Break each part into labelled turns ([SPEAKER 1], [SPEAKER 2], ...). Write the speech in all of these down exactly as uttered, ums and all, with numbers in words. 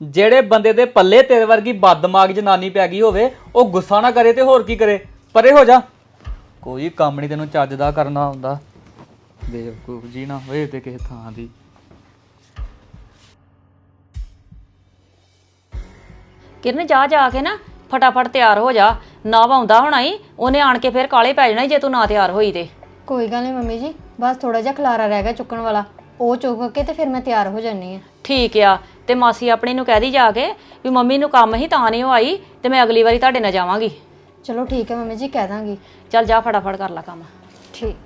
[SPEAKER 1] ਜਿਹੜੇ ਬੰਦੇ ਦੇ ਪੱਲੇ ਤੇਰੇ ਵਰਗੀ ਬਦਦਮਾਗ ਜਨਾਨੀ ਪੈ ਗਈ ਹੋਵੇ ਉਹ ਗੁੱਸਾ ਨਾ ਕਰੇ ਤੇ ਹੋਰ ਕੀ ਕਰੇ। ਪਰੇ ਹੋ ਜਾ, ਕੋਈ ਕੰਮ ਨਹੀਂ ਤੈਨੂੰ ਚੱਜ ਦਾ ਕਰਨਾ ਹੁੰਦਾ। ਬੇਵਕੂਫ ਜੀ ਨਾ ਹੋਏ ਤੇ ਕਿਸੇ ਥਾਂ ਦੀ।
[SPEAKER 2] ਕਿਰਨ ਜਾ ਜਾ ਕੇ ਨਾ ਫਟਾਫਟ ਤਿਆਰ ਹੋ ਜਾ। ਨਾ ਆਉਂਦਾ ਹੋਣਾ ਹੀ ਉਹਨੇ ਆਣ ਕੇ ਫਿਰ ਕਾਲੇ ਪੈ ਜਾਣਾ ਜੇ ਤੂੰ ਨਾ ਤਿਆਰ ਹੋਈ ਤੇ।
[SPEAKER 3] ਕੋਈ ਗੱਲ ਨਹੀਂ ਮੰਮੀ ਜੀ, ਬਸ ਥੋੜਾ ਜਿਹਾ ਖਲਾਰਾ ਰਹਿ ਗਿਆ ਚੁੱਕਣ ਵਾਲਾ, ਉਹ ਚੁੱਕ ਕੇ ਤੇ ਫਿਰ ਮੈਂ ਤਿਆਰ ਹੋ ਜਾਨੀ ਆ।
[SPEAKER 2] ਠੀਕ ਆ, ਤੇ ਮਾਸੀ ਆਪਣੀ ਨੂੰ ਕਹਿ ਦੀ ਜਾ ਕੇ ਵੀ ਮੰਮੀ ਨੂੰ ਕੰਮ ਹੀ ਤਾਂ ਨਹੀਂ ਉਹ ਆਈ ਤੇ ਮੈਂ ਅਗਲੀ ਵਾਰੀ ਤੁਹਾਡੇ ਨਾਲ ਜਾਵਾਂਗੀ।
[SPEAKER 3] ਚਲੋ ਠੀਕ ਹੈ ਮੰਮੀ ਜੀ, ਕਹਿ ਦਾਂਗੀ।
[SPEAKER 2] ਚੱਲ ਜਾ ਫਟਾਫਟ ਕਰ ਲੈ ਕੰਮ।
[SPEAKER 3] ਠੀਕ।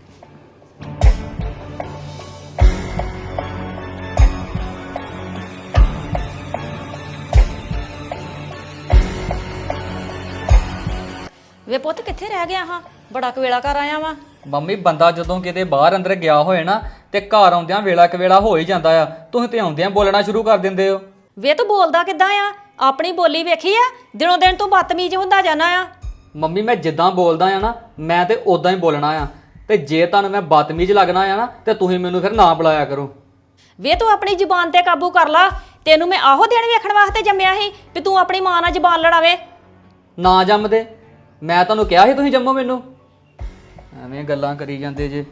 [SPEAKER 2] ਵੇ ਪੁੱਤ ਕਿੱਥੇ ਰਹਿ ਗਿਆ ਹਾਂ, ਬੜਾ ਕਵੇਲਾ ਕਰ ਆਇਆ ਵਾ।
[SPEAKER 1] ਮੰਮੀ ਬੰਦਾ ਜਦੋਂ ਕਿਤੇ ਬਾਹਰ ਅੰਦਰ ਗਿਆ ਹੋਏ ਨਾ ਤੇ ਘਰ ਆਉਂਦਿਆਂ ਵੇਲਾ ਕਵੇਲਾ ਹੋ ਹੀ ਜਾਂਦਾ ਆ। ਤੁਸੀਂ ਤੇ ਆਉਂਦਿਆਂ ਬੋਲਣਾ ਸ਼ੁਰੂ ਕਰ ਦਿੰਦੇ ਹੋ।
[SPEAKER 2] ਵੇ ਤੂੰ ਬੋਲਦਾ ਕਿੱਦਾਂ ਆ? ਆਪਣੀ ਬੋਲੀ ਵੇਖੀ ਆ? ਦਿਨੋਂ ਦਿਨ ਤੂੰ ਬਦਤਮੀਜ਼ ਹੁੰਦਾ ਜਾਣਾ ਆ।
[SPEAKER 1] ਮੰਮੀ ਮੈਂ ਜਿੱਦਾਂ ਬੋਲਦਾ ਆ ਨਾ ਮੈਂ ਤੇ ਉਦਾਂ ਹੀ ਬੋਲਣਾ ਆ, ਤੇ ਜੇ ਤੁਹਾਨੂੰ ਮੈਂ ਬਦਤਮੀਜ਼ ਲੱਗਣਾ ਆ ਨਾ ਤੇ ਤੁਸੀਂ ਮੈਨੂੰ ਫਿਰ ਨਾ ਬੁਲਾਇਆ ਕਰੋ।
[SPEAKER 2] ਵੇ ਤੂੰ ਆਪਣੀ ਜ਼ੁਬਾਨ ਤੇ ਕਾਬੂ ਕਰ ਲਾ। ਤੈਨੂੰ ਮੈਂ ਆਹੋ ਦਿਨ ਵੇਖਣ ਵਾਸਤੇ ਜੰਮਿਆ ਸੀ ਵੀ ਤੂੰ ਆਪਣੀ ਮਾਂ ਨਾਲ ਜ਼ੁਬਾਨ ਲੜਾਵੇ।
[SPEAKER 1] ਨਾ ਜੰਮਦੇ, ਮੈਂ ਤੁਹਾਨੂੰ ਕਿਹਾ ਸੀ ਤੁਸੀਂ ਜੰਮੋ ਮੈਨੂੰ। ਐਵੇਂ ਗੱਲਾਂ ਕਰੀ ਜਾਂਦੇ ਜੇ।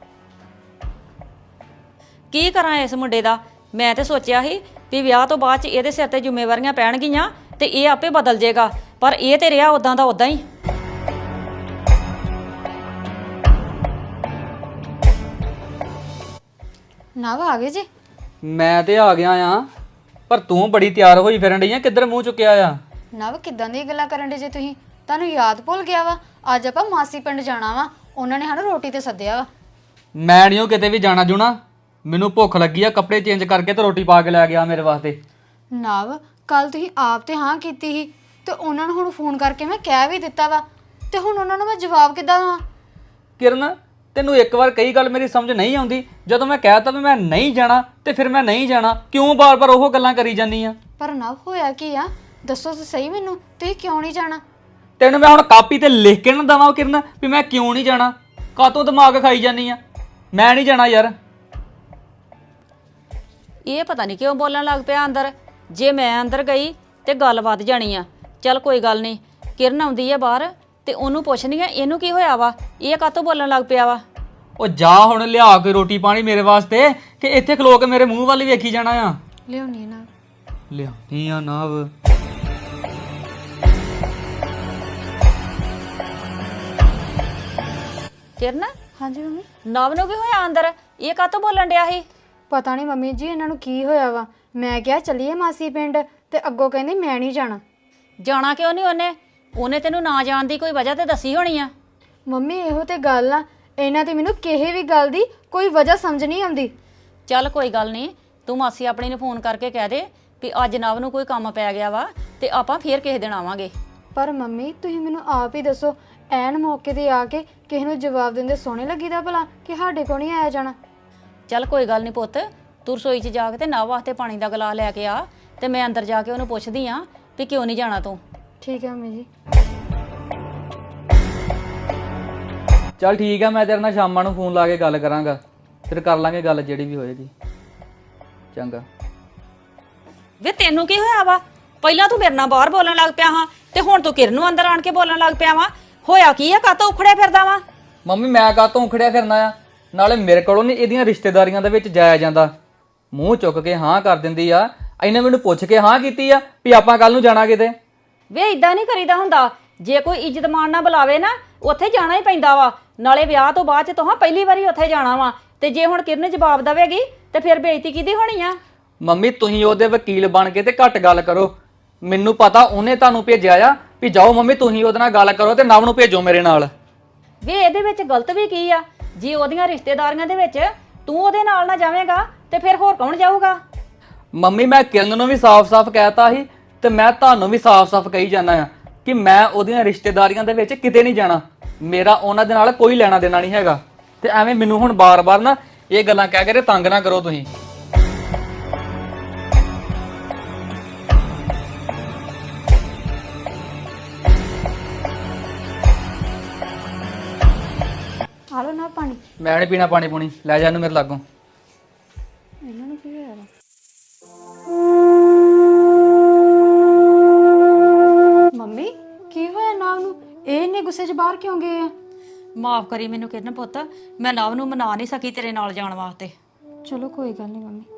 [SPEAKER 2] ਕੀ ਕਰਾਂ ਇਸ ਮੁੰਡੇ ਦਾ? ਮੈਂ ਤੇ ਸੋਚਿਆ ਸੀ ਵੀ ਵਿਆਹ ਤੋਂ ਬਾਅਦ ਚ ਇਹਦੇ ਸਿਰ ਤੇ ਜ਼ਿੰਮੇਵਾਰੀਆਂ ਪੈਣਗੀਆਂ ਤੇ ਇਹ ਆਪੇ ਬਦਲ ਜਾਏਗਾ, ਪਰ ਇਹ ਤੇ ਰਿਹਾ ਉਦਾਂ ਦਾ ਉਦਾਂ ਹੀ।
[SPEAKER 3] ਨਾ ਵਾ ਆ ਗਏ ਜੀ?
[SPEAKER 1] ਮੈਂ ਤੇ ਆ ਗਿਆ ਆ, ਪਰ ਤੂੰ ਬੜੀ ਤਿਆਰ ਹੋਈ ਫਿਰਨ ਡਈ ਆ, ਕਿੱਧਰ ਮੂੰਹ ਚੁੱਕਿਆ ਆ?
[SPEAKER 3] ਨਵ ਕਿੱਦਾਂ ਦੀਆਂ ਗੱਲਾਂ ਕਰਨ ਦੇ ਜੇ ਤੁਸੀਂ? ਤੁਹਾਨੂੰ ਯਾਦ ਭੁੱਲ ਗਿਆ ਵਾ? ਅੱਜ ਆਪਾਂ ਮਾਸੀ ਪਿੰਡ ਜਾਣਾ ਵਾ, ਉਹਨਾਂ ਨੇ ਸਾਨੂੰ ਰੋਟੀ ਤੇ ਸੱਦਿਆ ਵਾ।
[SPEAKER 1] ਮੈਂ ਨਹੀਂ ਉਹ ਕਿਤੇ ਵੀ ਜਾਣਾ ਜੂਣਾ, ਮੈਨੂੰ ਭੁੱਖ ਲੱਗੀ ਆ। ਕੱਪੜੇ ਚੇਂਜ ਕਰਕੇ ਤੇ ਰੋਟੀ ਪਾ ਕੇ ਲੈ ਗਿਆ ਮੇਰੇ ਵਾਸਤੇ।
[SPEAKER 3] ਨਵ ਕੱਲ ਤੁਸੀਂ ਆਪ ਤੇ ਹਾਂ ਕੀਤੀ ਸੀ ਤੇ ਉਹਨਾਂ ਨੂੰ ਹੁਣ ਫੋਨ ਕਰਕੇ ਮੈਂ ਕਹਿ ਵੀ ਦਿੱਤਾ ਵਾ, ਤੇ ਹੁਣ ਉਹਨਾਂ ਨੂੰ ਮੈਂ ਜਵਾਬ ਕਿੱਦਾਂ ਦੇਵਾਂ?
[SPEAKER 1] ਕਿਰਨ ਤੈਨੂੰ ਇੱਕ ਵਾਰ ਕਈ ਗੱਲ ਮੇਰੀ ਸਮਝ ਨਹੀਂ ਆਉਂਦੀ। ਜਦੋਂ ਮੈਂ ਕਹਿਤਾ ਵੀ ਮੈਂ ਨਹੀਂ ਜਾਣਾ ਤੇ ਫਿਰ ਮੈਂ ਨਹੀਂ ਜਾਣਾ, ਕਿਉਂ ਬਾਰ-ਬਾਰ ਉਹ ਗੱਲਾਂ ਕਰੀ ਜਾਂਦੀ ਆ?
[SPEAKER 3] ਪਰ ਨਵ ਹੋਇਆ ਕੀ ਆ, ਦੱਸੋ ਤਾਂ ਸਹੀ ਮੈਨੂੰ, ਤੁਸੀਂ ਕਿਉਂ ਨਹੀਂ ਜਾਣਾ?
[SPEAKER 1] ਤੈਨੂੰ ਮੈਂ ਹੁਣ ਕਾਪੀ ਤੇ ਲਿਖ ਕੇ ਨਾ ਦਵਾਂ ਕਿਰਨ ਵੀ ਮੈਂ ਕਿਉਂ ਨਹੀਂ ਜਾਣਾ? ਕਾਤੋਂ ਦਿਮਾਗ ਖਾਈ ਜਾਂਦੀ ਆ? ਮੈਂ ਨਹੀਂ ਜਾਣਾ ਯਾਰ।
[SPEAKER 2] ਇਹ ਪਤਾ ਨਹੀਂ ਕਿਉਂ ਬੋਲਣ ਲੱਗ ਪਿਆ ਅੰਦਰ। ਜੇ ਮੈਂ ਅੰਦਰ ਗਈ ਤੇ ਗੱਲ ਵੱਧ ਜਾਣੀ ਆ। ਚੱਲ ਕੋਈ ਗੱਲ ਨਹੀਂ, ਕਿਰਨ ਆਉਂਦੀ ਆ ਬਾਹਰ ਤੇ ਉਹਨੂੰ ਪੁੱਛਣੀ ਆ ਇਹਨੂੰ ਕੀ ਹੋਇਆ ਵਾ, ਇਹ ਕਾਤੋਂ ਬੋਲਣ ਲੱਗ ਪਿਆ ਵਾ।
[SPEAKER 1] ਉਹ ਜਾ ਹੁਣ ਲਿਆ ਕੇ ਰੋਟੀ ਪਾਣੀ ਮੇਰੇ ਵਾਸਤੇ, ਕਿ ਇੱਥੇ ਖਲੋ ਕੇ ਮੇਰੇ ਮੂੰਹ ਵੱਲ ਹੀ ਵੇਖੀ ਜਾਣਾ ਆ?
[SPEAKER 3] ਲਿਆਉਣੀ ਨਾ
[SPEAKER 1] ਲਿਆਉਣੀ ਆ ਨਵ।
[SPEAKER 2] ਕਿਰਨ
[SPEAKER 3] ਹਾਂਜੀ ਮੰਮੀ।
[SPEAKER 2] ਨਵ ਨੂੰ ਕੀ ਹੋਇਆ ਅੰਦਰ? ਇਹ ਕਾਤੋਂ ਬੋਲਣ ਡਿਆ ਸੀ?
[SPEAKER 3] ਪਤਾ ਨਹੀਂ ਮੰਮੀ ਜੀ ਇਹਨਾਂ ਨੂੰ ਕੀ ਹੋਇਆ ਵਾ। ਮੈਂ ਕਿਹਾ ਚੱਲੀਏ ਮਾਸੀ ਪਿੰਡ ਤੇ ਅੱਗੋਂ ਕਹਿੰਦੇ ਮੈਂ ਨਹੀਂ ਜਾਣਾ।
[SPEAKER 2] ਜਾਣਾ ਕਿਉਂ ਨਹੀਂ ਉਹਨੇ? ਉਹਨੇ ਤੈਨੂੰ ਨਾ ਜਾਣ ਦੀ ਕੋਈ ਵਜ੍ਹਾ ਤੇ ਦੱਸੀ ਹੋਣੀ ਆ।
[SPEAKER 3] ਮੰਮੀ ਇਹੋ ਤੇ ਗੱਲ ਆ, ਇਹਨਾਂ ਤੇ ਮੈਨੂੰ ਕਿਸੇ ਵੀ ਗੱਲ ਦੀ ਕੋਈ ਵਜ੍ਹਾ ਸਮਝ ਨਹੀਂ ਆਉਂਦੀ।
[SPEAKER 2] ਚੱਲ ਕੋਈ ਗੱਲ ਨਹੀਂ, ਤੂੰ ਮਾਸੀ ਆਪਣੀ ਨੂੰ ਫੋਨ ਕਰਕੇ ਕਹਿ ਦੇ ਵੀ ਅੱਜ ਨਵ ਨੂੰ ਕੋਈ ਕੰਮ ਪੈ ਗਿਆ ਵਾ ਤੇ ਆਪਾਂ ਫੇਰ ਕਿਸੇ ਦਿਨ ਆਵਾਂਗੇ।
[SPEAKER 3] ਪਰ ਮੰਮੀ ਤੁਸੀਂ ਮੈਨੂੰ ਆਪ ਹੀ ਦੱਸੋ, ਐਨ ਮੌਕੇ ਤੇ ਆ ਕੇ ਕਿਸੇ ਨੂੰ ਜਵਾਬ ਦਿੰਦੇ ਸੋਹਣੇ ਲੱਗੀਦਾ ਭਲਾ ਕਿ ਸਾਡੇ ਕੋਲ ਨਹੀਂ ਆਇਆ ਜਾਣਾ?
[SPEAKER 2] ਚੱਲ ਕੋਈ ਗੱਲ ਨਹੀਂ ਪੁੱਤ, ਤੂੰ ਰਸੋਈ 'ਚ ਜਾ ਕੇ ਤੇ ਨਵ ਵਾਸਤੇ ਪਾਣੀ ਦਾ ਗਲਾਸ ਲੈ ਕੇ ਆ ਤੇ ਮੈਂ ਅੰਦਰ ਜਾ ਕੇ ਉਹਨੂੰ ਪੁੱਛਦੀ ਆ ਵੀ ਕਿਉਂ ਨਹੀਂ ਜਾਣਾ ਤੂੰ।
[SPEAKER 3] ਠੀਕ ਹੈ ਮੰਮੀ ਜੀ।
[SPEAKER 1] ਚੱਲ ਠੀਕ ਆ, ਮੈਂ ਤੇਰੇ ਨਾਲ ਸ਼ਾਮਾਂ ਨੂੰ ਫੋਨ ਲਾ ਕੇ ਗੱਲ ਕਰਾਂਗਾ, ਫਿਰ ਕਰ ਲਾਂਗੇ ਗੱਲ ਜਿਹੜੀ ਵੀ ਹੋਏਗੀ। ਚੰਗਾ।
[SPEAKER 2] ਵੇ ਤੈਨੂੰ ਕੀ ਹੋਇਆ ਵਾ? ਪਹਿਲਾਂ ਤੂੰ ਮੇਰੇ ਨਾਲ ਬਾਹਰ ਬੋਲਣ ਲੱਗ ਪਿਆ ਹਾਂ ਤੇ ਹੁਣ ਤੂੰ ਕਿਰਨ ਨੂੰ ਅੰਦਰ ਆਣ ਕੇ ਬੋਲਣ ਲੱਗ ਪਿਆ ਵਾ। ਹੋਇਆ ਕੀ ਆ? ਕਾਤੋਂ ਉਖੜਿਆ ਫਿਰਦਾ ਵਾ?
[SPEAKER 1] ਮੰਮੀ ਮੈਂ ਕਾਤੋਂ ਉਖੜਿਆ ਫਿਰਨਾ ਆ? ਨਾਲੇ ਮੇਰੇ ਕੋਲੋਂ ਨਹੀਂ ਇਹਦੀਆਂ ਰਿਸ਼ਤੇਦਾਰੀਆਂ ਦੇ ਵਿੱਚ ਜਾਇਆ ਜਾਂਦਾ। ਮੂੰਹ ਚੁੱਕ ਕੇ ਹਾਂ ਕਰ ਦਿੰਦੀ ਆ। ਇਹਨੇ ਮੈਨੂੰ ਪੁੱਛ ਕੇ ਹਾਂ ਕੀਤੀ ਆ ਵੀ ਆਪਾਂ ਕੱਲ ਨੂੰ ਜਾਣਾ ਕਿਤੇ।
[SPEAKER 2] ਵੇ ਇਦਾਂ ਨਹੀਂ ਕਰੀਦਾ ਹੁੰਦਾ। ਜੇ ਕੋਈ ਇੱਜ਼ਤ ਮਾਣ ਨਾਲ ਬੁਲਾਵੇ ਨਾ ਉੱਥੇ ਜਾਣਾ ਹੀ ਪੈਂਦਾ ਵਾ। ਨਾਲੇ ਵਿਆਹ ਤੋਂ ਬਾਅਦ ਚ ਤੂੰ ਪਹਿਲੀ ਵਾਰੀ ਉੱਥੇ ਜਾਣਾ ਵਾ, ਤੇ ਜੇ ਹੁਣ ਕਿਰਨ ਜਵਾਬ ਦੇਵੇਗੀ ਤੇ ਫਿਰ ਬੇਇੱਜ਼ਤੀ ਕਿਹਦੀ ਹੋਣੀ ਆ?
[SPEAKER 1] ਮੰਮੀ ਤੁਸੀਂ ਉਹਦੇ ਵਕੀਲ ਬਣ ਕੇ ਤੇ ਘੱਟ ਗੱਲ ਕਰੋ। ਮੈਨੂੰ ਪਤਾ ਉਹਨੇ ਤੁਹਾਨੂੰ ਭੇਜਿਆ ਆ ਵੀ ਜਾਓ ਮੰਮੀ ਤੁਸੀਂ ਉਹਦੇ ਨਾਲ ਗੱਲ ਕਰੋ ਤੇ ਨਵ ਨੂੰ ਭੇਜੋ ਮੇਰੇ ਨਾਲ।
[SPEAKER 2] ਵੇ ਇਹਦੇ ਵਿੱਚ ਗਲਤ ਵੀ ਕੀ ਆ? ਜੇ ਉਹਦੀਆਂ ਰਿਸ਼ਤੇਦਾਰੀਆਂ ਦੇ ਵਿੱਚ ਤੂੰ ਉਹਦੇ ਨਾਲ ਨਾ ਜਾਵੇਂਗਾ ਤੇ ਫਿਰ ਹੋਰ ਕੌਣ ਜਾਊਗਾ?
[SPEAKER 1] ਮੰਮੀ ਮੈਂ ਕਿਰਨ ਨੂੰ ਵੀ ਸਾਫ਼-ਸਾਫ਼ ਕਹਿਤਾ ਸੀ ਤੇ ਮੈਂ ਤੁਹਾਨੂੰ ਵੀ ਸਾਫ਼-ਸਾਫ਼ ਕਹੀ ਜਾਂਦਾ ਆ ਕਿ ਮੈਂ ਉਹਦੀਆਂ ਰਿਸ਼ਤੇਦਾਰੀਆਂ ਦੇ ਵਿੱਚ ਕਿਤੇ ਨਹੀਂ ਜਾਣਾ। ਮੇਰਾ ਉਹਨਾਂ ਦੇ ਨਾਲ ਕੋਈ ਲੈਣਾ ਦੇਣਾ ਨਹੀਂ ਹੈਗਾ। ਤੇ ਐਵੇਂ ਮੈਨੂੰ ਹੁਣ ਬਾਰ-ਬਾਰ ਨਾ ਇਹ ਗੱਲਾਂ ਕਹਿ ਕੇ ਤੰਗ ਨਾ ਕਰੋ ਤੁਸੀਂ।
[SPEAKER 3] ਆ ਲਓ ਨਾ ਪਾਣੀ।
[SPEAKER 1] ਮੈਂ ਨਹੀਂ ਪੀਣਾ ਪਾਣੀ ਪੂਣੀ, ਲੈ ਜਾ ਇਹਨੂੰ ਮੇਰੇ ਲਾਗੋਂ।
[SPEAKER 3] ਇਹਨਾਂ ਨੂੰ ਕੀ ਹੋਇਆ ਵਾ? ਗੁੱਸੇ 'ਚ ਬਾਹਰ ਕਿਉਂ ਗਏ ਆ?
[SPEAKER 2] ਮਾਫ ਕਰੀ ਮੈਨੂੰ ਕਿਰਨ ਪੁੱਤ, ਮੈਂ ਨਵ ਨੂੰ ਮਨਾ ਨਹੀਂ ਸਕੀ ਤੇਰੇ ਨਾਲ ਜਾਣ ਵਾਸਤੇ।
[SPEAKER 3] ਚਲੋ ਕੋਈ ਗੱਲ ਨਹੀਂ ਮੰਮੀ।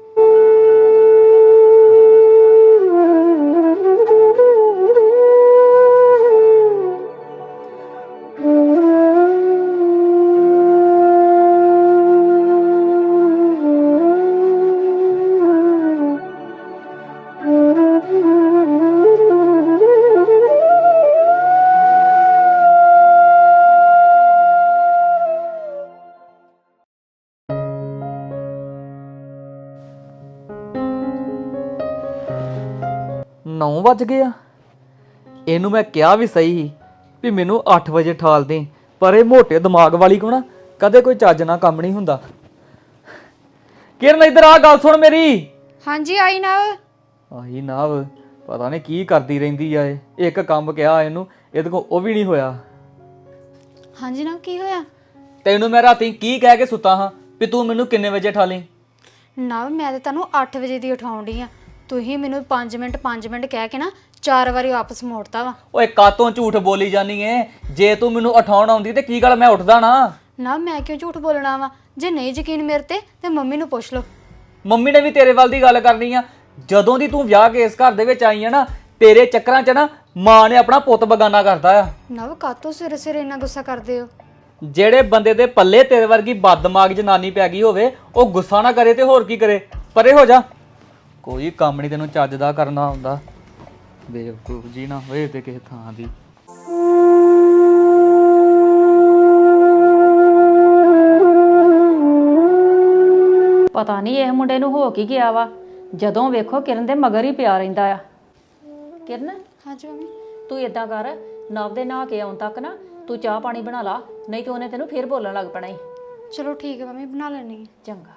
[SPEAKER 1] ਨੌ ਵੱਜ ਗਏ ਆ। ਇਹਨੂੰ ਮੈਂ ਕਿਹਾ ਵੀ ਸਹੀ ਸੀ ਵੀ ਮੈਨੂੰ ਅੱਠ ਵਜੇ ਠਾਲ ਦੇ, ਪਰ ਇਹ ਮੋਟੇ ਦਿਮਾਗ ਵਾਲੀ ਕੋ ਨਾ ਕਦੇ ਕੋਈ ਚੱਜ ਨਾਲ ਕੰਮ ਨਹੀਂ ਹੁੰਦਾ। ਕਿਰਨ ਇੱਧਰ ਆ, ਗੱਲ ਸੁਣ ਮੇਰੀ।
[SPEAKER 3] ਹਾਂਜੀ ਆਈ ਨਾ।
[SPEAKER 1] ਆਹੀ ਨਾ ਪਤਾ ਨਹੀਂ ਕੀ ਕਰਦੀ ਰਹਿੰਦੀ ਆ ਇਹ। ਇੱਕ ਕੰਮ ਕਿਹਾ ਇਹਨੂੰ, ਇਹਦੇ ਕੋਲ ਉਹ ਵੀ ਨਹੀਂ ਹੋਇਆ।
[SPEAKER 3] ਹਾਂਜੀ ਨਾ, ਕੀ ਹੋਇਆ?
[SPEAKER 1] ਤੈਨੂੰ ਮੈਂ ਰਾਤੀ ਕੀ ਕਹਿ ਕੇ ਸੁੱਤਾ ਹਾਂ ਵੀ ਤੂੰ ਮੈਨੂੰ ਕਿੰਨੇ ਵਜੇ ਠਾਲੀ?
[SPEAKER 3] ਨਾ ਮੈਂ ਤਾਂ ਤੁਹਾਨੂੰ ਅੱਠ ਵਜੇ ਦੀ ਉਠਾਉਣ ਡਈ ਆ। ਤੁਸੀਂ ਮੈਨੂੰ ਪੰਜ ਮਿੰਟ ਪੰਜ ਮਿੰਟ ਕਹਿ ਕੇ ਨਾ ਚਾਰ ਵਾਰੀ ਵਾਪਸ ਮੋੜਤਾ ਵਾ।
[SPEAKER 1] ਓਏ ਕਾਤੋਂ ਝੂਠ ਬੋਲੀ ਜਾਨੀ ਏ? ਜੇ ਤੂੰ ਮੈਨੂੰ ਉਠਾਉਣ ਆਉਂਦੀ ਤੇ ਕੀ ਗੱਲ ਮੈਂ ਉੱਠਦਾ ਨਾ?
[SPEAKER 3] ਨਾ ਮੈਂ ਕਿਉਂ ਝੂਠ ਬੋਲਣਾ ਵਾ? ਜੇ ਨਹੀਂ ਯਕੀਨ ਮੇਰੇ ਤੇ ਤੇ ਮੰਮੀ ਨੂੰ ਪੁੱਛ ਲਓ।
[SPEAKER 1] ਮੰਮੀ ਨੇ ਵੀ ਤੇਰੇ ਵੱਲ ਦੀ ਗੱਲ ਕਰਨੀ ਆ। ਜਦੋਂ ਦੀ ਤੂੰ ਵਿਆਹ ਕੇ ਇਸ ਘਰ ਦੇ ਵਿੱਚ ਆਈ ਆ ਨਾ, ਤੇਰੇ ਚੱਕਰਾਂ 'ਚ ਨਾ ਮਾਂ ਨੇ ਆਪਣਾ ਪੁੱਤ ਬਗਾਨਾ ਕਰਤਾ ਆ।
[SPEAKER 3] ਨਾ ਕਾਤੋਂ ਸਿਰੇ ਸਿਰੇ ਇੰਨਾ ਗੁੱਸਾ ਕਰਦੇ ਹੋ?
[SPEAKER 1] ਜਿਹੜੇ ਬੰਦੇ ਦੇ ਪੱਲੇ ਤੇਰੇ ਵਰਗੀ ਬਦਦਮਾਗ ਜਨਾਨੀ ਪੈ ਗਈ ਹੋਵੇ, ਉਹ ਗੁੱਸਾ ਨਾ ਕਰੇ ਤੇ ਹੋਰ ਕੀ ਕਰੇ? ਪਰੇ ਹੋ ਜਾ। ਕੋਈ ਕੰਮ ਨਹੀਂ ਤੈਨੂੰ ਚੱਜ ਦਾ ਕਰਨਾ ਆਉਂਦਾ। ਬੇਵਕੂਫ ਜੀ ਨਾ ਹੋਏ ਤੇ ਕਿਸੇ ਥਾਂ ਦੀ।
[SPEAKER 2] ਪਤਾ ਨਹੀਂ ਇਹ ਮੁੰਡੇ ਨੂੰ ਹੋ ਕੀ ਗਿਆ ਵਾ, ਜਦੋਂ ਵੇਖੋ ਕਿਰਨ ਦੇ ਮਗਰ ਹੀ ਪਿਆ ਰਹਿੰਦਾ ਆ। ਕਿਰਨ
[SPEAKER 3] ਹਾਂਜੀ ਮੰਮੀ।
[SPEAKER 2] ਤੂੰ ਇਦਾਂ ਕਰ, ਨਵ ਦੇ ਨਹਾ ਕੇ ਆਉਣ ਤੱਕ ਨਾ ਤੂੰ ਚਾਹ ਪਾਣੀ ਬਣਾ ਲਾ, ਨਹੀਂ ਤੇ ਉਹਨੇ ਤੈਨੂੰ ਫੇਰ ਬੋਲਣ ਲੱਗ ਪੈਣਾ ਈ।
[SPEAKER 3] ਚਲੋ ਠੀਕ ਹੈ ਮੰਮੀ, ਬਣਾ ਲੈਣੀ ਹੈ।
[SPEAKER 2] ਚੰਗਾ।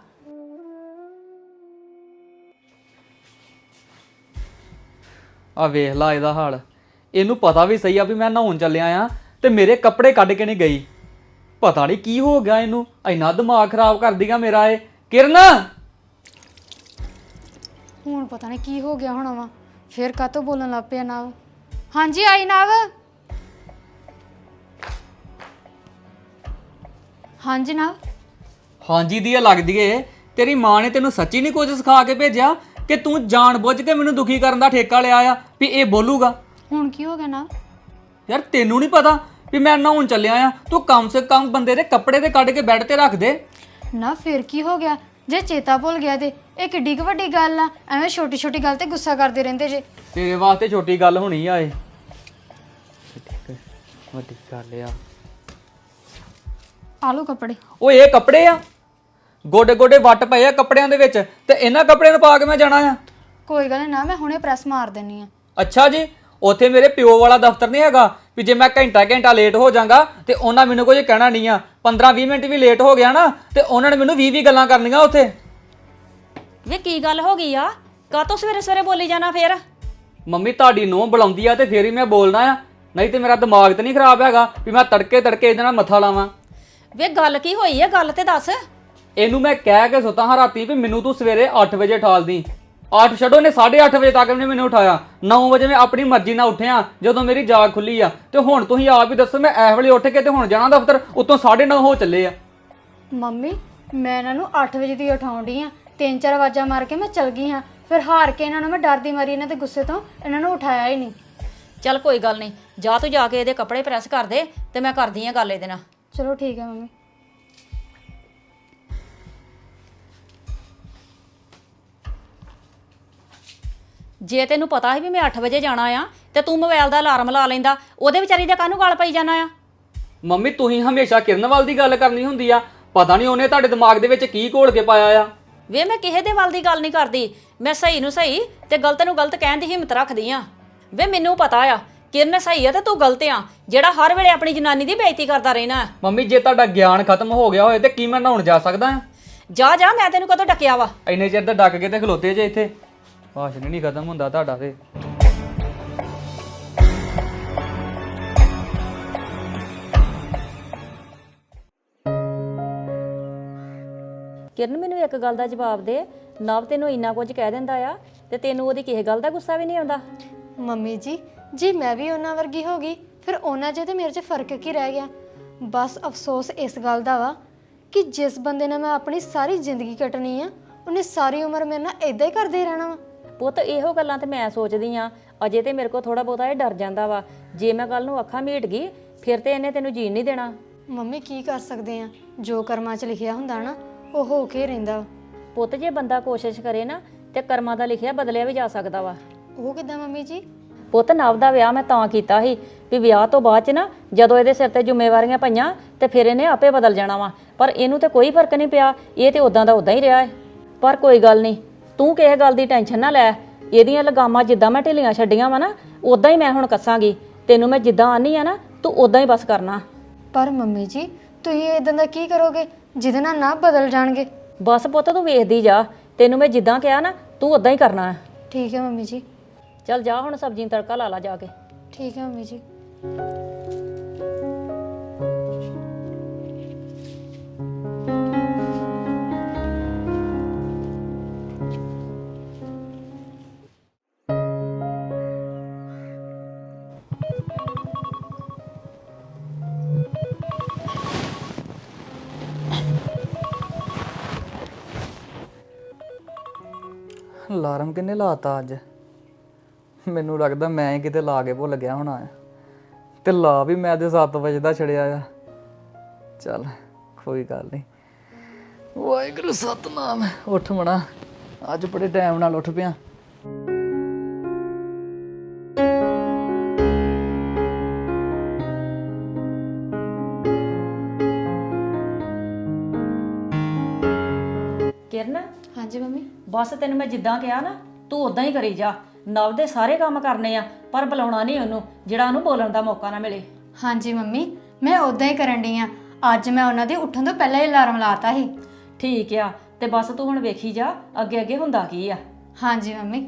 [SPEAKER 1] ਆ ਵੇਖ ਲਾ ਇਹਦਾ ਹਾਲ। ਇਹਨੂੰ ਪਤਾ ਵੀ ਸਹੀ ਆ ਵੀ ਮੈਂ ਨਹਾਉਣ ਚੱਲਿਆ ਆ ਤੇ ਮੇਰੇ ਕੱਪੜੇ ਕੱਢ ਕੇ ਨਹੀਂ ਗਈ। ਪਤਾ ਨਹੀਂ ਕੀ ਹੋ ਗਿਆ ਇਹਨੂੰ, ਇੰਨਾ ਦਿਮਾਗ ਖਰਾਬ ਕਰਦੀ ਆ ਮੇਰਾ ਇਹ। ਕਿਰਨ
[SPEAKER 3] ਹੁਣ ਪਤਾ ਨਹੀਂ ਕੀ ਹੋ ਗਿਆ ਹੋਣਾ ਵਾ, ਫੇਰ ਕਾਤੋਂ ਬੋਲਣ ਲੱਗ ਪਿਆ ਨਾਵ। ਹਾਂਜੀ ਆਈ ਨਾਵ। ਹਾਂਜੀ ਨਾਵ।
[SPEAKER 1] ਹਾਂਜੀ ਦੀ ਲੱਗਦੀ ਏ। ਤੇਰੀ ਮਾਂ ਨੇ ਤੈਨੂੰ ਸੱਚੀ ਨਹੀਂ ਕੁਝ ਸਿਖਾ ਕੇ ਭੇਜਿਆ ਕਿ ਤੂੰ ਜਾਣ ਬੁੱਝ ਕੇ ਮੈਨੂੰ ਦੁਖੀ ਕਰਨ ਦਾ ਠੇਕਾ ਲਿਆ ਆ ਵੀ ਇਹ ਬੋਲੂਗਾ?
[SPEAKER 3] ਹੁਣ ਕੀ ਹੋ ਗਿਆ ਨਾਵ?
[SPEAKER 1] ਯਾਰ ਤੈਨੂੰ ਨਹੀਂ ਪਤਾ ਵੀ ਮੈਂ ਨਹਾਉਣ ਚੱਲਿਆ ਆ? ਤੂੰ ਕਮ ਸੇ ਕਮ ਬੰਦੇ ਦੇ ਕੱਪੜੇ ਤੇ ਕੱਢ ਕੇ ਬੈੱਡ ਤੇ ਰੱਖ ਦੇ
[SPEAKER 3] ਨਾ। ਫਿਰ ਕੀ ਹੋ ਗਿਆ ਜੇ ਚੇਤਾ ਭੁੱਲ ਗਿਆ ਤੇ? ਇਹ ਕਿੱਡੀ ਕੁ ਵੱਡੀ ਗੱਲ ਆ, ਐਵੇਂ ਛੋਟੀ ਛੋਟੀ ਗੱਲ ਤੇ ਗੁੱਸਾ ਕਰਦੇ ਰਹਿੰਦੇ ਜੇ।
[SPEAKER 1] ਤੇਰੇ ਵਾਸਤੇ ਛੋਟੀ ਗੱਲ ਹੋਣੀ ਆ ਇਹ। ਵੱਡੀ ਗੱਲ ਆ।
[SPEAKER 3] ਆਲੂ ਕੱਪੜੇ।
[SPEAKER 1] ਓਏ ਇਹ ਕੱਪੜੇ ਆ, ਗੋਡੇ ਗੋਡੇ ਵੱਟ ਪਏ ਆ ਕੱਪੜਿਆਂ ਦੇ ਵਿੱਚ, ਤੇ ਇਹਨਾਂ ਕੱਪੜਿਆਂ ਨੂੰ ਪਾ ਕੇ ਮੈਂ ਜਾਣਾ ਆ?
[SPEAKER 3] ਕੋਈ ਗੱਲ ਨਹੀਂ ਨਾ, ਮੈਂ ਹੁਣੇ ਪ੍ਰੈਸ ਮਾਰ ਦੇਣੀ ਆ।
[SPEAKER 1] ਅੱਛਾ ਜੀ, ਉੱਥੇ ਮੇਰੇ ਪਿਓ ਵਾਲਾ ਦਫ਼ਤਰ ਨਹੀਂ ਹੈਗਾ ਵੀ ਜੇ ਮੈਂ ਘੰਟਾ ਘੰਟਾ ਲੇਟ ਹੋ ਜਾਵਾਂਗਾ ਤੇ ਉਹਨਾਂ ਮੈਨੂੰ ਕੁਝ ਕਹਿਣਾ ਨਹੀਂ ਆ। ਪੰਦਰਾਂ ਵੀਹ ਮਿੰਟ ਵੀ ਲੇਟ ਹੋ ਗਿਆ ਨਾ ਤੇ ਉਹਨਾਂ ਨੇ ਮੈਨੂੰ ਵੀਹ ਵੀਹ ਗੱਲਾਂ ਕਰਨੀਆਂ ਉੱਥੇ।
[SPEAKER 2] ਵੇ ਕੀ ਗੱਲ ਹੋ ਗਈ ਆ? ਕਾਤੋਂ ਸਵੇਰੇ ਸਵੇਰੇ ਬੋਲੀ ਜਾਣਾ ਫੇਰ?
[SPEAKER 1] ਮੰਮੀ ਤੁਹਾਡੀ ਨੂੰਹ ਬੁਲਾਉਂਦੀ ਆ ਤੇ ਫੇਰ ਹੀ ਮੈਂ ਬੋਲਣਾ ਆ, ਨਹੀਂ ਤੇ ਮੇਰਾ ਦਿਮਾਗ ਤੇ ਨਹੀਂ ਖਰਾਬ ਹੈਗਾ ਵੀ ਮੈਂ ਤੜਕੇ ਤੜਕੇ ਇਹਦੇ ਨਾਲ ਮੱਥਾ ਲਾਵਾਂ।
[SPEAKER 2] ਵੇ ਗੱਲ ਕੀ ਹੋਈ ਆ? ਗੱਲ ਤੇ ਦੱਸ।
[SPEAKER 1] ਇਹਨੂੰ ਮੈਂ ਕਹਿ ਕੇ ਸੁੱਤਾ ਹਾਂ ਰਾਤੀ ਵੀ ਮੈਨੂੰ ਤੂੰ ਸਵੇਰੇ ਅੱਠ ਵਜੇ ਠਾਲਦੀ। ਅੱਠ ਛੱਡੋ, ਨੇ ਸਾਢੇ ਅੱਠ ਵਜੇ ਤੱਕ ਨੇ ਮੈਨੂੰ ਉਠਾਇਆ। ਨੌ ਵਜੇ ਮੈਂ ਆਪਣੀ ਮਰਜ਼ੀ ਨਾਲ ਉੱਠਿਆ ਜਦੋਂ ਮੇਰੀ ਜਾਗ ਖੁੱਲੀ ਆ। ਤੇ ਹੁਣ ਤੁਸੀਂ ਆਪ ਹੀ ਦੱਸੋ, ਮੈਂ ਇਸ ਵੇਲੇ ਉੱਠ ਕੇ ਤੇ ਹੁਣ ਜਾਣਾ ਦਫ਼ਤਰ, ਉੱਤੋਂ ਸਾਢੇ ਨੌ ਹੋ ਚੱਲੇ ਆ।
[SPEAKER 3] ਮੰਮੀ ਮੈਂ ਇਹਨਾਂ ਨੂੰ ਅੱਠ ਵਜੇ ਦੀ ਉਠਾਉਣ ਡਈ ਆ, ਤਿੰਨ ਚਾਰ ਆਵਾਜ਼ਾਂ ਮਾਰ ਕੇ ਮੈਂ ਚਲ ਗਈ ਹਾਂ। ਫਿਰ ਹਾਰ ਕੇ ਇਹਨਾਂ ਨੂੰ ਮੈਂ ਡਰਦੀ ਮਾਰੀ ਇਹਨਾਂ ਦੇ ਗੁੱਸੇ ਤੋਂ ਇਹਨਾਂ ਨੂੰ ਉਠਾਇਆ ਹੀ ਨਹੀਂ।
[SPEAKER 2] ਚੱਲ ਕੋਈ ਗੱਲ ਨਹੀਂ, ਜਾ ਤੂੰ ਜਾ ਕੇ ਇਹਦੇ ਕੱਪੜੇ ਪ੍ਰੈਸ ਕਰ ਦੇ ਤੇ ਮੈਂ ਕਰਦੀ ਆ ਗੱਲ ਇਹਦੇ ਨਾਲ।
[SPEAKER 3] ਚਲੋ ਠੀਕ ਹੈ ਮੰਮੀ।
[SPEAKER 2] ਜੇ ਤੈਨੂੰ ਪਤਾ ਸੀ ਵੀ ਮੈਂ ਅੱਠ ਵਜੇ ਜਾਣਾ ਆ ਤੇ ਤੂੰ ਮੋਬਾਈਲ ਦਾ ਅਲਾਰਮ ਲਾ ਲੈਂਦਾ, ਉਹਦੇ ਵਿਚਾਰੀ ਦੇ ਕਾਹਨੂੰ ਗੱਲ ਪਈ ਜਾਣਾ ਆ?
[SPEAKER 1] ਮੰਮੀ ਤੁਸੀਂ ਹਮੇਸ਼ਾ ਕਿਰਨ ਵੱਲ ਦੀ ਗੱਲ ਕਰਨੀ ਹੁੰਦੀ ਆ। ਪਤਾ ਨਹੀਂ ਉਹਨੇ ਤੁਹਾਡੇ ਦਿਮਾਗ ਦੇ ਵਿੱਚ ਕੀ ਘੋਲ ਕੇ ਪਾਇਆ ਆ।
[SPEAKER 2] ਵੇ ਮੈਂ ਕਿਸੇ ਦੇ ਵੱਲ ਦੀ ਗੱਲ ਨਹੀਂ ਕਰਦੀ, ਮੈਂ ਸਹੀ ਨੂੰ ਸਹੀ ਤੇ ਗਲਤ ਨੂੰ ਗਲਤ ਕਹਿਣ ਦੀ ਹਿੰਮਤ ਰੱਖਦੀ ਆ। ਵੇ ਮੈਨੂੰ ਪਤਾ ਆ ਕਿਰਨ ਸਹੀ ਆ ਤੇ ਤੂੰ ਗਲਤ ਆ, ਜਿਹੜਾ ਹਰ ਵੇਲੇ ਆਪਣੀ ਜਨਾਨੀ ਦੀ ਬੇਇੱਜ਼ਤੀ ਕਰਦਾ ਰਹਿਣਾ।
[SPEAKER 1] ਮੰਮੀ ਜੇ ਤੁਹਾਡਾ ਗਿਆਨ ਖਤਮ ਹੋ ਗਿਆ ਹੋਏ ਤੇ ਕੀ ਮੈਂ ਨਹਾਉਣ ਜਾ ਸਕਦਾ ਆ?
[SPEAKER 2] ਜਾ ਜਾ, ਮੈਂ ਤੈਨੂੰ ਕਦੋਂ ਡੱਕਿਆ ਵਾ?
[SPEAKER 1] ਇੰਨੇ ਚਿਰ ਤਾਂ ਡੱਕ ਕੇ ਤੇ ਖਲੋਤੇ ਜੇ ਇੱਥੇ। ਭਾਸ਼ਣ ਨਹੀਂ ਖਤਮ ਹੁੰਦਾ ਤੁਹਾਡਾ ਤੇ।
[SPEAKER 2] ਕਿਰਨ ਮੈਨੂੰ ਇੱਕ ਗੱਲ ਦਾ ਜਵਾਬ ਦੇ, ਨਵ ਤੈਨੂੰ ਇੰਨਾ ਕੁਝ ਕਹਿ ਦਿੰਦਾ ਆ ਤੇ ਤੈਨੂੰ ਉਹਦੀ ਕਿਸੇ ਗੱਲ ਦਾ ਗੁੱਸਾ ਵੀ ਨਹੀਂ ਆਉਂਦਾ?
[SPEAKER 3] ਮੰਮੀ ਜੀ, ਜੀ ਮੈਂ ਵੀ ਉਹਨਾਂ ਵਰਗੀ ਹੋ ਗਈ ਫਿਰ ਉਹਨਾਂ 'ਚ ਤੇ ਮੇਰੇ 'ਚ ਫਰਕ ਕੀ ਰਹਿ ਗਿਆ। ਬਸ ਅਫਸੋਸ ਇਸ ਗੱਲ ਦਾ ਵਾ ਕਿ ਜਿਸ ਬੰਦੇ ਨਾਲ ਮੈਂ ਆਪਣੀ ਸਾਰੀ ਜ਼ਿੰਦਗੀ ਕੱਟਣੀ ਆ ਉਹਨੇ ਸਾਰੀ ਉਮਰ ਮੇਰੇ ਨਾਲ ਇਦਾਂ ਹੀ ਕਰਦੇ ਰਹਿਣਾ ਵਾ।
[SPEAKER 2] ਪੁੱਤ ਇਹੋ ਗੱਲਾਂ ਤੇ ਮੈਂ ਸੋਚਦੀ ਆ, ਅਜੇ ਤੇ ਮੇਰੇ ਕੋਲ ਥੋੜਾ ਬਹੁਤਾ ਇਹ ਡਰ ਜਾਂਦਾ ਵਾ, ਜੇ ਮੈਂ ਕੱਲ ਨੂੰ ਅੱਖਾਂ ਮੀਟ ਗਈ ਫਿਰ ਤੇ ਇਹਨੇ ਤੈਨੂੰ ਜੀਣ ਨਹੀਂ ਦੇਣਾ।
[SPEAKER 3] ਮੰਮੀ ਕੀ ਕਰ ਸਕਦੇ ਆ, ਜੋ ਕਰਮਾਂ 'ਚ ਲਿਖਿਆ ਹੁੰਦਾ ਨਾ ਉਹ ਹੋ ਕੇ ਰਹਿੰਦਾ।
[SPEAKER 2] ਪੁੱਤ ਜੇ ਬੰਦਾ ਕੋਸ਼ਿਸ਼ ਕਰੇ ਨਾ ਤੇ ਕਰਮਾਂ ਦਾ ਲਿਖਿਆ ਬਦਲਿਆ ਵੀ ਜਾ ਸਕਦਾ ਵਾ।
[SPEAKER 3] ਉਹ ਕਿੱਦਾਂ ਮੰਮੀ ਜੀ?
[SPEAKER 2] ਪੁੱਤ ਨਵ ਦਾ ਵਿਆਹ ਮੈਂ ਤਾਂ ਕੀਤਾ ਸੀ ਵੀ ਵਿਆਹ ਤੋਂ ਬਾਅਦ ਚ ਨਾ ਜਦੋਂ ਇਹਦੇ ਸਿਰ ਤੇ ਜ਼ਿੰਮੇਵਾਰੀਆਂ ਪਈਆਂ ਤੇ ਫਿਰ ਇਹਨੇ ਆਪੇ ਬਦਲ ਜਾਣਾ ਵਾ, ਪਰ ਇਹਨੂੰ ਤੇ ਕੋਈ ਫਰਕ ਨਹੀਂ ਪਿਆ, ਇਹ ਤੇ ਉਦਾਂ ਦਾ ਉਦਾਂ ਹੀ ਰਿਹਾ ਹੈ। ਪਰ ਕੋਈ ਗੱਲ ਨਹੀਂ, ਤੂੰ ਕਿਸੇ ਗੱਲ ਦੀ ਟੈਨਸ਼ਨ ਨਾ ਲੈ, ਇਹਦੀਆਂ ਲਗਾਮਾਂ ਜਿੱਦਾਂ ਮੈਂ ਢਿੱਲੀਆਂ ਛੱਡੀਆਂ ਵਾ ਨਾ ਉਦਾਂ ਹੀ ਮੈਂ ਹੁਣ ਕੱਸਾਂਗੀ। ਤੈਨੂੰ ਮੈਂ ਜਿੱਦਾਂ ਆਨੀ ਆ ਨਾ ਤੂੰ ਉਦਾਂ ਹੀ ਬਸ ਕਰਨਾ।
[SPEAKER 3] ਪਰ ਮੰਮੀ ਜੀ ਤੁਸੀਂ ਇਦਾਂ ਦਾ ਕੀ ਕਰੋਗੇ ਜਿਹਦੇ ਨਾਲ ਨਾ ਬਦਲ ਜਾਣਗੇ?
[SPEAKER 2] ਬਸ ਪੁੱਤ ਤੂੰ ਵੇਖਦੀ ਜਾ, ਤੈਨੂੰ ਮੈਂ ਜਿੱਦਾਂ ਕਿਹਾ ਨਾ ਤੂੰ ਉਦਾਂ ਹੀ ਕਰਨਾ ਹੈ।
[SPEAKER 3] ਠੀਕ ਹੈ ਮੰਮੀ ਜੀ।
[SPEAKER 2] ਚੱਲ ਜਾ ਹੁਣ ਸਬਜ਼ੀ ਨੂੰ ਤੜਕਾ ਲਾ ਲਾ ਜਾ ਕੇ।
[SPEAKER 3] ਠੀਕ ਹੈ ਮੰਮੀ ਜੀ।
[SPEAKER 1] ਅਲਾਰਮ ਕਿੰਨੇ ਲਾਤਾ ਅੱਜ? ਮੈਨੂੰ ਲੱਗਦਾ ਮੈਂ ਹੀ ਕਿਤੇ ਲਾ ਕੇ ਭੁੱਲ ਗਿਆ ਹੋਣਾ ਆ, ਤੇ ਲਾ ਵੀ ਮੈਂ ਤੇ ਸੱਤ ਵਜੇ ਦਾ ਛੜਿਆ ਆ। ਚੱਲ ਕੋਈ ਗੱਲ ਨਹੀਂ, ਵਾਹਿਗੁਰੂ ਸਤਨਾਮ। ਉੱਠ ਮਣਾ, ਅੱਜ ਬੜੇ ਟਾਈਮ ਨਾਲ ਉੱਠ ਪਿਆ।
[SPEAKER 2] ਕਿਰਨ
[SPEAKER 3] ਹਾਂਜੀ ਮੰਮੀ।
[SPEAKER 2] ਬਸ ਤੈਨੂੰ ਮੈਂ ਜਿੱਦਾਂ ਕਿਹਾ ਨਾ ਤੂੰ ਉਦਾਂ ਹੀ ਕਰੀ ਜਾ। ਨਵ ਦੇ ਸਾਰੇ ਕੰਮ ਕਰਨੇ ਆ ਪਰ ਬੁਲਾਉਣਾ ਨਹੀਂ ਉਹਨੂੰ ਜਿਹੜਾ ਉਹਨੂੰ ਬੋਲਣ ਦਾ ਮੌਕਾ ਨਾ ਮਿਲੇ।
[SPEAKER 3] ਹਾਂਜੀ ਮੰਮੀ ਮੈਂ ਉਦਾਂ ਹੀ ਕਰਨ ਡਈ ਆ। ਅੱਜ ਮੈਂ ਉਹਨਾਂ ਦੇ ਉੱਠਣ ਤੋਂ ਪਹਿਲਾਂ ਹੀ ਅਲਾਰਮ ਲਾਤਾ ਸੀ।
[SPEAKER 2] ਠੀਕ ਆ, ਤੇ ਬਸ ਤੂੰ ਹੁਣ ਵੇਖੀ ਜਾ ਅੱਗੇ ਅੱਗੇ ਹੁੰਦਾ ਕੀ ਆ।
[SPEAKER 3] ਹਾਂਜੀ ਮੰਮੀ।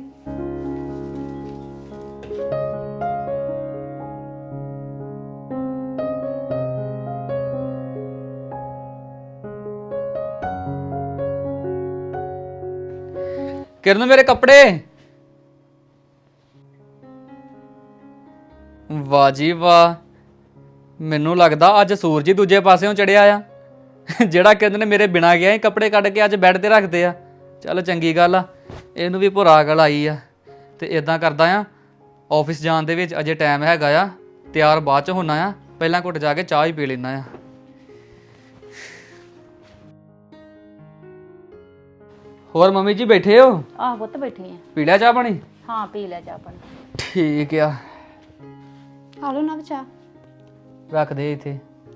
[SPEAKER 1] ਕਿਰਨ ਮੇਰੇ ਕੱਪੜੇ। ਵਾਹ ਜੀ ਵਾਹ, ਮੈਨੂੰ ਲੱਗਦਾ ਅੱਜ ਸੂਰਜ ਹੀ ਦੂਜੇ ਪਾਸਿਓਂ ਚੜਿਆ ਆ। ਜਿਹੜਾ ਕਿਰਨ ਨੇ ਮੇਰੇ ਬਿਨਾਂ ਗਿਆ ਹੀ ਕੱਪੜੇ ਕੱਢ ਕੇ ਅੱਜ ਬੈੱਡ ਤੇ ਰੱਖਦੇ ਆ। ਚੱਲ ਚੰਗੀ ਗੱਲ ਆ, ਇਹਨੂੰ ਵੀ ਭੁਰਾ ਅਕਲ ਆਈ ਆ। ਤੇ ਇਦਾਂ ਕਰਦਾ ਆ, ਆਫਿਸ ਜਾਣ ਦੇ ਵਿੱਚ ਅਜੇ ਟਾਈਮ ਹੈਗਾ ਆ, ਤਿਆਰ ਬਾਅਦ ਚ ਹੋਣਾ ਆ, ਪਹਿਲਾਂ ਘੁੱਟ ਜਾ ਕੇ ਚਾਹ ਹੀ ਪੀ ਲੈਣਾ ਆ। ਹੋਰ ਮੰਮੀ ਜੀ ਬੈਠੇ ਹੋ?
[SPEAKER 2] ਆਹ ਪੁੱਤ ਬੈਠੀ ਆ।
[SPEAKER 1] ਪੀ ਲਿਆ ਚਾਹ ਪਾਣੀ?
[SPEAKER 2] ਹਾਂ ਪੀ ਲੈ ਚਾਹ ਪਾਣੀ।
[SPEAKER 1] ਠੀਕ ਆ,
[SPEAKER 3] ਆ ਲਓ ਨਾ ਚਾਹ।
[SPEAKER 1] ਰੱਖ ਦੇ ਇੱਥੇ।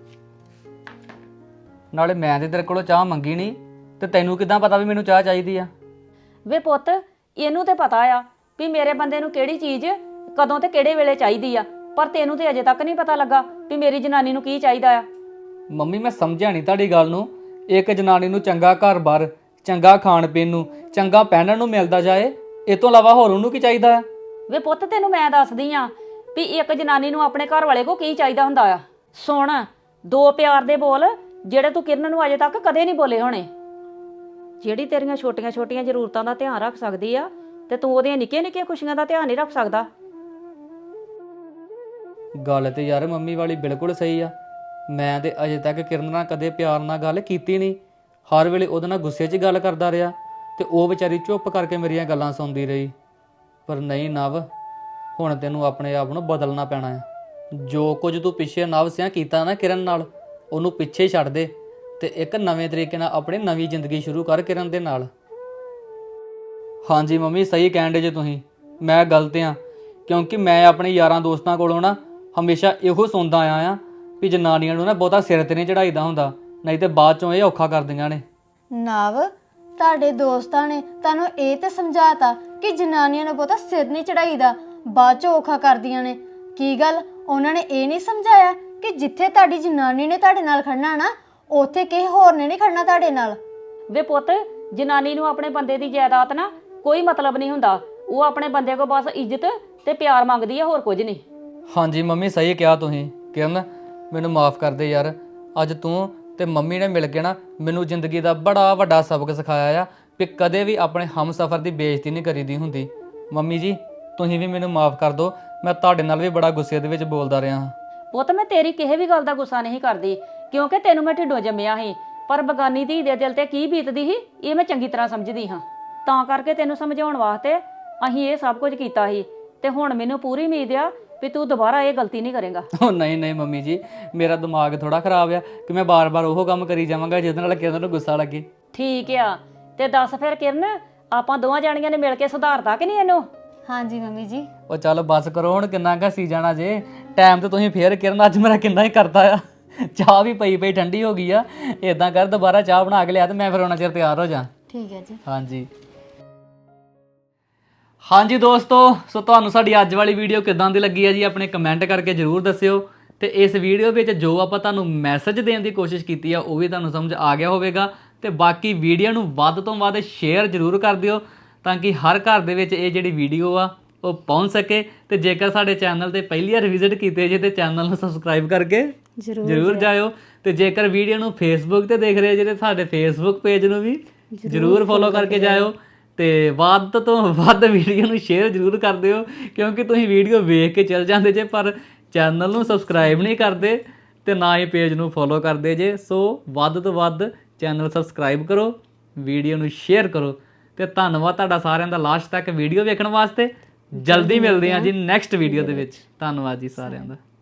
[SPEAKER 1] ਨਾਲੇ ਮੈਂ ਤੇ ਤੇਰੇ ਕੋਲੋਂ ਚਾਹ ਮੰਗੀ ਨਹੀਂ, ਤੇ ਤੈਨੂੰ ਕਿਦਾਂ ਪਤਾ ਵੀ ਮੈਨੂੰ ਚਾਹ ਚਾਹੀਦੀ ਆ?
[SPEAKER 2] ਵੇ ਪੁੱਤ ਇਹਨੂੰ ਤੇ ਪਤਾ ਆ ਵੀ ਮੇਰੇ ਬੰਦੇ ਨੂੰ ਕਿਹੜੀ ਚੀਜ਼ ਕਦੋਂ ਤੇ ਕਿਹੜੇ ਵੇਲੇ ਚਾਹੀਦੀ ਆ, ਪਰ ਤੈਨੂੰ ਤੇ ਅਜੇ ਤੱਕ ਨਹੀਂ ਪਤਾ ਲੱਗਾ ਵੀ ਮੇਰੀ ਜਨਾਨੀ ਨੂੰ ਕੀ ਚਾਹੀਦਾ ਆ।
[SPEAKER 1] ਮੰਮੀ ਮੈਂ ਸਮਝਿਆ ਨਹੀਂ ਤੁਹਾਡੀ ਗੱਲ ਨੂੰ। ਇੱਕ ਜਨਾਨੀ ਨੂੰ ਚੰਗਾ ਘਰ-ਬਾਰ, ਚੰਗਾ ਖਾਣ ਪੀਣ ਨੂੰ, ਚੰਗਾ ਪਹਿਨਣ ਨੂੰ ਮਿਲਦਾ ਜਾਏ, ਇਹ ਤੋਂ ਇਲਾਵਾ ਹੋਰ ਉਹਨੂੰ ਕੀ ਚਾਹੀਦਾ ਆ?
[SPEAKER 2] ਵੇ ਪੁੱਤ ਤੈਨੂੰ ਮੈਂ ਦੱਸਦੀ ਆ ਵੀ ਇੱਕ ਜਨਾਨੀ ਨੂੰ ਆਪਣੇ ਘਰ ਵਾਲੇ ਕੋ ਕੀ ਚਾਹੀਦਾ ਹੁੰਦਾ ਆ। ਸੁਣ, ਦੋ ਪਿਆਰ ਦੇ ਬੋਲ ਜਿਹੜੇ ਤੂੰ ਕਿਰਨ ਨੂੰ ਅਜੇ ਤੱਕ ਕਦੇ ਨਹੀਂ ਬੋਲੇ ਹੋਣੇ। ਜਿਹੜੀ ਤੇਰੀਆਂ ਛੋਟੀਆਂ-ਛੋਟੀਆਂ ਜ਼ਰੂਰਤਾਂ ਦਾ ਧਿਆਨ ਰੱਖ ਸਕਦੀ ਆ ਤੇ ਤੂੰ ਉਹਦੀਆਂ ਨਿੱਕੀਆਂ-ਨਿੱਕੀਆਂ ਖੁਸ਼ੀਆਂ ਦਾ ਧਿਆਨ ਨਹੀਂ ਰੱਖ ਸਕਦਾ।
[SPEAKER 1] ਗੱਲ ਤੇ ਯਾਰ ਮੰਮੀ ਵਾਲੀ ਬਿਲਕੁਲ ਸਹੀ ਆ। ਮੈਂ ਤੇ ਅਜੇ ਤੱਕ ਕਿਰਨ ਨਾਲ ਕਦੇ ਪਿਆਰ ਨਾਲ ਗੱਲ ਕੀਤੀ ਨਹੀਂ, ਹਰ ਵੇਲੇ ਉਹਦੇ ਨਾਲ ਗੁੱਸੇ 'ਚ ਗੱਲ ਕਰਦਾ ਰਿਹਾ, ਤੇ ਉਹ ਵਿਚਾਰੀ ਚੁੱਪ ਕਰਕੇ ਮੇਰੀਆਂ ਗੱਲਾਂ ਸੁਣਦੀ ਰਹੀ। ਪਰ ਨਹੀਂ ਨਵ, ਹੁਣ ਤੈਨੂੰ ਆਪਣੇ ਆਪ ਨੂੰ ਬਦਲਣਾ ਪੈਣਾ ਹੈ। ਜੋ ਕੁਝ ਤੂੰ ਪਿੱਛੇ ਨਵ ਸਿਆਂ ਕੀਤਾ ਨਾ ਕਿਰਨ ਨਾਲ, ਉਹਨੂੰ ਪਿੱਛੇ ਛੱਡ ਦੇ ਤੇ ਇੱਕ ਨਵੇਂ ਤਰੀਕੇ ਨਾਲ ਆਪਣੀ ਨਵੀਂ ਜ਼ਿੰਦਗੀ ਸ਼ੁਰੂ ਕਰ ਕਿਰਨ ਦੇ ਨਾਲ। ਹਾਂਜੀ ਮੰਮੀ ਸਹੀ ਕਹਿੰਦੇ ਜੇ ਤੁਸੀਂ, ਮੈਂ ਗਲਤ ਆ, ਕਿਉਂਕਿ ਮੈਂ ਆਪਣੇ ਯਾਰਾਂ ਦੋਸਤਾਂ ਕੋਲੋਂ ਨਾ ਹਮੇਸ਼ਾ ਇਹੋ ਸੁਣਦਾ ਆਇਆ ਆ ਵੀ ਜਨਾਨੀਆਂ ਨੂੰ ਨਾ ਬਹੁਤਾ ਸਿਰ ਤੇ ਨਹੀਂ ਚੜਾਈਦਾ ਹੁੰਦਾ, ਨਹੀਂ ਤੇ ਬਾਅਦ ਚੋਂ ਇਹ ਔਖਾ ਕਰ ਦਿੰਦੀਆਂ ਨੇ।
[SPEAKER 3] ਨਵ ਤੁਹਾਡੇ ਦੋਸਤਾਂ ਨੇ ਤੁਹਾਨੂੰ ਇਹ ਤੇ ਸਮਝਾਤਾ ਕਿ ਜਨਾਨੀਆਂ ਨੂੰ ਬਹੁਤਾ ਸਿਰ ਨਹੀਂ ਚੜਾਈਦਾ, ਬਾਅਦ ਚ ਔਖਾ ਕਰਦੀਆਂ ਨੇ। ਕੀ ਗੱਲ ਉਹਨਾਂ ਨੇ ਇਹ ਨਹੀਂ ਸਮਝਾਇਆ ਕਿ ਜਿੱਥੇ ਤੁਹਾਡੀ ਜਨਾਨੀ ਨੇ ਤੁਹਾਡੇ ਨਾਲ ਖੜਨਾ ਨਾ, ਉੱਥੇ ਕਿਸੇ ਹੋਰ ਨੇ ਨਹੀਂ ਖੜਨਾ ਤੁਹਾਡੇ ਨਾਲ?
[SPEAKER 2] ਵੇ ਪੁੱਤ ਜਨਾਨੀ ਨੂੰ ਆਪਣੇ ਬੰਦੇ ਦੀ ਜਾਇਦਾਦ ਨਾ ਕੋਈ ਮਤਲਬ ਨਹੀਂ ਹੁੰਦਾ, ਉਹ ਆਪਣੇ ਬੰਦੇ ਕੋਲ ਬਸ ਇੱਜ਼ਤ ਤੇ ਪਿਆਰ ਮੰਗਦੀ ਹੈ, ਹੋਰ ਕੁਝ ਨਹੀਂ।
[SPEAKER 1] ਹਾਂਜੀ ਮੰਮੀ ਸਹੀ ਕਿਹਾ ਤੁਸੀਂ। ਕਿਰਨ ਮੈਨੂੰ ਮਾਫ ਕਰ ਦੇ ਯਾਰ, ਅੱਜ ਤੂੰ ਤੇ ਮੰਮੀ ਨੇ ਮਿਲ ਕੇ ਨਾ ਮੈਨੂੰ ਜ਼ਿੰਦਗੀ ਦਾ ਬੜਾ ਵੱਡਾ ਸਬਕ ਸਿਖਾਇਆ ਆ ਵੀ ਕਦੇ ਵੀ ਆਪਣੇ ਹਮਸਫਰ ਦੀ ਬੇਇੱਜ਼ਤੀ ਨਹੀਂ ਕਰੀਦੀ ਹੁੰਦੀ। ਮੰਮੀ ਜੀ ਤੁਸੀਂ ਵੀ ਮੈਨੂੰ ਮਾਫ ਕਰ ਦਿਓ, ਮੈਂ ਤੁਹਾਡੇ ਨਾਲ ਵੀ ਬੜਾ ਗੁੱਸੇ ਦੇ ਵਿੱਚ ਬੋਲਦਾ ਰਿਹਾ ਹਾਂ।
[SPEAKER 2] ਪੁੱਤ ਮੈਂ ਤੇਰੀ ਕਿਸੇ ਵੀ ਗੱਲ ਦਾ ਗੁੱਸਾ ਨਹੀਂ ਕਰਦੀ, ਕਿਉਂਕਿ ਤੈਨੂੰ ਮੈਂ ਢਿੱਡੋਂ ਜੰਮਿਆ ਸੀ, ਪਰ ਬਗਾਨੀ ਧੀ ਦੇ ਦਿਲ ਤੇ ਕੀ ਬੀਤਦੀ ਸੀ ਇਹ ਮੈਂ ਚੰਗੀ ਤਰ੍ਹਾਂ ਸਮਝਦੀ ਹਾਂ। ਤਾਂ ਕਰਕੇ ਤੈਨੂੰ ਸਮਝਾਉਣ ਵਾਸਤੇ ਅਸੀਂ ਇਹ ਸਭ ਕੁਝ ਕੀਤਾ ਸੀ, ਤੇ ਹੁਣ ਮੈਨੂੰ ਪੂਰੀ ਉਮੀਦ ਆ ਵੀ ਤੂੰ ਦੁਬਾਰਾ ਇਹ ਗਲਤੀ ਨਹੀਂ ਕਰੇਗਾ।
[SPEAKER 1] ਉਹ ਨਹੀਂ ਨਹੀਂ ਮੰਮੀ ਜੀ, ਮੇਰਾ ਦਿਮਾਗ ਥੋੜਾ ਖਰਾਬ ਆ ਕਿ ਮੈਂ ਬਾਰ-ਬਾਰ ਉਹ ਕੰਮ ਕਰੀ ਜਾਵਾਂਗਾ ਜਿਹਦੇ ਨਾਲ ਕਿਰਨ ਨੂੰ ਗੁੱਸਾ ਲੱਗੇ।
[SPEAKER 2] ਠੀਕ ਆ, ਤੇ ਦੱਸ ਫਿਰ ਕਿਰਨ, ਆਪਾਂ ਦੋਵਾਂ ਜਾਣੀਆਂ ਨੇ ਮਿਲ ਕੇ ਸੁਧਾਰਤਾ ਕਿ ਨਹੀਂ ਇਹਨੂੰ?
[SPEAKER 3] ਹਾਂਜੀ ਮੰਮੀ ਜੀ।
[SPEAKER 1] ਉਹ ਚੱਲ ਬਸ ਕਰੋ ਹੁਣ, ਕਿੰਨਾ ਘਸੀ ਜਾਣਾ ਜੇ। ਟਾਈਮ ਤੇ ਤੁਸੀਂ ਫੇਰ ਕਿਰਨ ਅੱਜ ਮੇਰਾ ਕਿੰਨਾ ਹੀ ਕਰਦਾ ਆ। ਚਾਹ ਵੀ ਪਈ ਪਈ ਠੰਡੀ ਹੋ ਗਈ ਆ। ਇਦਾਂ ਕਰ ਦੁਬਾਰਾ ਚਾਹ ਬਣਾ ਕੇ ਲਿਆ ਤੇ ਮੈਂ ਫਿਰ ਉਹਨਾਂ ਚਿਰ ਤਿਆਰ ਹੋ ਜਾ।
[SPEAKER 3] ਠੀਕ ਹੈ ਜੀ।
[SPEAKER 1] ਹਾਂਜੀ ਹਾਂਜੀ ਦੋਸਤੋ, ਸੋ ਤੁਹਾਨੂੰ ਸਾਡੀ ਅੱਜ ਵਾਲੀ ਵੀਡੀਓ ਕਿਦਾਂ ਦੀ ਲੱਗੀ ਹੈ ਜੀ, ਆਪਣੇ ਕਮੈਂਟ ਕਰਕੇ ਜਰੂਰ ਦੱਸਿਓ। ਤੇ ਇਸ ਵੀਡੀਓ ਵਿੱਚ ਜੋ ਆਪਾਂ ਤੁਹਾਨੂੰ ਮੈਸੇਜ ਦੇਣ ਦੀ ਕੋਸ਼ਿਸ਼ ਕੀਤੀ ਆ ਉਹ ਵੀ ਤੁਹਾਨੂੰ ਸਮਝ ਆ ਗਿਆ ਹੋਵੇਗਾ। ਤੇ ਬਾਕੀ ਵੀਡੀਓ ਨੂੰ ਵੱਧ ਤੋਂ ਵੱਧ ਸ਼ੇਅਰ ਜਰੂਰ ਕਰ ਦਿਓ ਤਾਂ ਕਿ ਹਰ ਘਰ ਦੇ ਵਿੱਚ ਇਹ ਜਿਹੜੀ ਵੀਡੀਓ ਆ ਉਹ ਪਹੁੰਚ ਸਕੇ। ਤੇ ਜੇਕਰ ਸਾਡੇ ਚੈਨਲ ਤੇ ਪਹਿਲੀ ਵਾਰ ਵਿਜ਼ਿਟ ਕੀਤੇ ਜੇ ਤੇ ਚੈਨਲ ਨੂੰ ਸਬਸਕ੍ਰਾਈਬ ਕਰਕੇ ਜਰੂਰ ਜਾਇਓ। ਤੇ ਜੇਕਰ ਵੀਡੀਓ ਨੂੰ ਫੇਸਬੁੱਕ ਤੇ ਦੇਖ ਰਹੇ ਜੇ ਤੇ ਸਾਡੇ ਫੇਸਬੁੱਕ ਪੇਜ ਨੂੰ ਵੀ ਜਰੂਰ ਫੋਲੋ ਕਰਕੇ ਜਾਇਓ। ਤੇ ਵੱਧ ਤੋਂ ਵੱਧ ਵੀਡੀਓ ਨੂੰ ਸ਼ੇਅਰ ਜਰੂਰ ਕਰ ਦਿਓ, ਕਿਉਂਕਿ ਤੁਸੀਂ ਵੀਡੀਓ ਵੇਖ ਕੇ ਚੱਲ ਜਾਂਦੇ ਜੇ ਪਰ ਚੈਨਲ ਨੂੰ ਸਬਸਕ੍ਰਾਈਬ ਨਹੀਂ ਕਰਦੇ ਤੇ ਨਾ ਹੀ ਪੇਜ ਨੂੰ ਫੋਲੋ ਕਰਦੇ ਜੇ। ਸੋ ਵੱਧ ਤੋਂ ਵੱਧ ਚੈਨਲ ਸਬਸਕ੍ਰਾਈਬ ਕਰੋ, ਵੀਡੀਓ ਨੂੰ ਸ਼ੇਅਰ ਕਰੋ। ਤੇ ਧੰਨਵਾਦ ਤੁਹਾਡਾ ਸਾਰਿਆਂ ਦਾ ਲਾਸਟ ਤੱਕ ਵੀਡੀਓ ਵੇਖਣ ਵਾਸਤੇ। ਜਲਦੀ ਮਿਲਦੇ ਹਾਂ ਜੀ ਨੈਕਸਟ ਵੀਡੀਓ ਦੇ ਵਿੱਚ। ਧੰਨਵਾਦ ਜੀ ਸਾਰਿਆਂ ਦਾ।